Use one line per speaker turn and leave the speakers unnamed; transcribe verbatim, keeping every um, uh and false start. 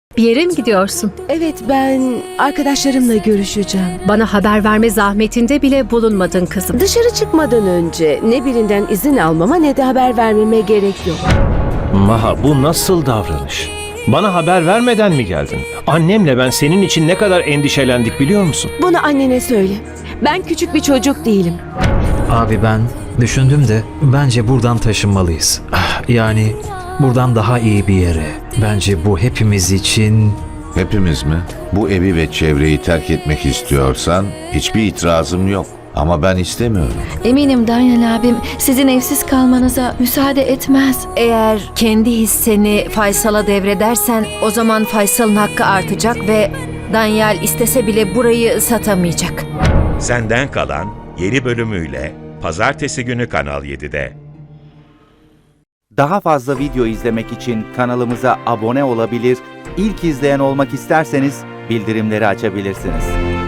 Bir yere mi gidiyorsun?
Evet, ben arkadaşlarımla görüşeceğim.
Bana haber verme zahmetinde bile bulunmadın kızım.
Dışarı çıkmadan önce ne birinden izin almama ne de haber vermeme gerek yok.
Maha, bu nasıl davranış? Bana haber vermeden mi geldin? Annemle ben senin için ne kadar endişelendik biliyor musun?
Bunu annene söyle. Ben küçük bir çocuk değilim.
Abi ben düşündüm de bence buradan taşınmalıyız. Ah, Yani buradan daha iyi bir yere. Bence bu hepimiz için...
Hepimiz mi? Bu evi ve çevreyi terk etmek istiyorsan hiçbir itirazım yok. Ama ben istemiyorum.
Eminim Daniel abim sizin evsiz kalmanıza müsaade etmez.
Eğer kendi hisseni Faysal'a devredersen o zaman Faysal'ın hakkı artacak ve Daniel istese bile burayı satamayacak.
Senden Kalan yeni bölümüyle Pazartesi günü Kanal yedide.
Daha fazla video izlemek için kanalımıza abone olabilir, ilk izleyen olmak isterseniz bildirimleri açabilirsiniz.